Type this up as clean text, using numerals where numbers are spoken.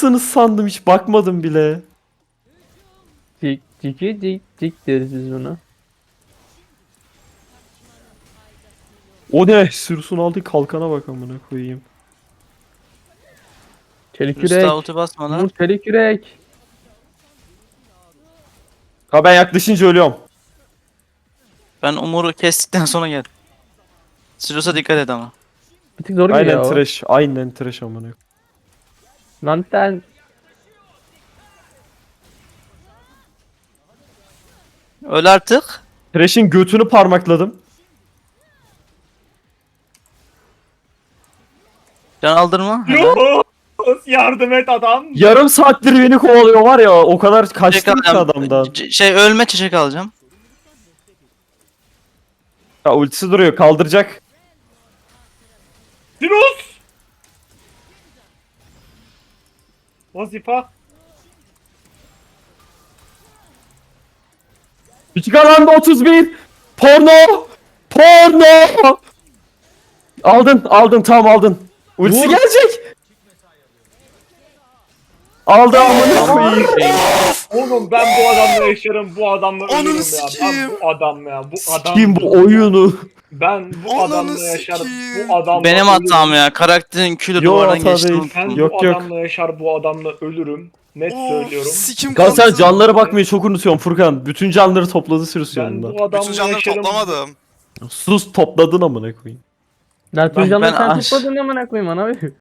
mısınız sandım, hiç bakmadım bile. Cik deriz biz buna. O ne? Sürüsün aldığı kalkana bak amına koyayım. Çelik Üstü yürek. ulti basma lan. Umut çelik yürek. Ha ben yaklaşınca ölüyorum. Ben Umur'u kestikten sonra gel. Sirius'a dikkat et ama. Bir tık zor gibi Aynen ya o. trash. Aynen trash amına koyayım. Lanten. Öl artık. Trash'in götünü parmakladım. Can aldırma. Helal. Yok. Yardım et adam. Yarım saattir beni kovalıyor var ya, o kadar Çiçek kaçtım ki alacağım. adamdan. Ölme çiçek alacağım. Ya ultisi duruyor, kaldıracak. Sirus. Vazifa. Küçük alanda 31. Porno. Porno. Aldın tam aldın. Ultisi Vur. gelecek. Aldı amına koyayım. Oğlum ben bu adamla yaşarım, bu adamla Ananı ölürüm ya. sikeyim. Ben bu adam ya, bu adam. Kim bu oyunu? Ben bu Ananı adamla yaşarım, sikeyim. bu adamla Benim ölürüm. hatam ya. Karakterin külü Yo, duvardan hata geçti. değil. Ben Yok, bu yok. adamla yaşar, bu adamla ölürüm. Net söylüyorum. Sikim Kan sen kalktı. canlara bakmayı çok unutuyorsun Furkan. Bütün canları topladı sürüsü Ben yanında. bu adamla Bütün canları yaşarım. toplamadım. Sus, topladın amına koyayım. Lan tüm Ben canları sen aş- topladın amına koyayım ana.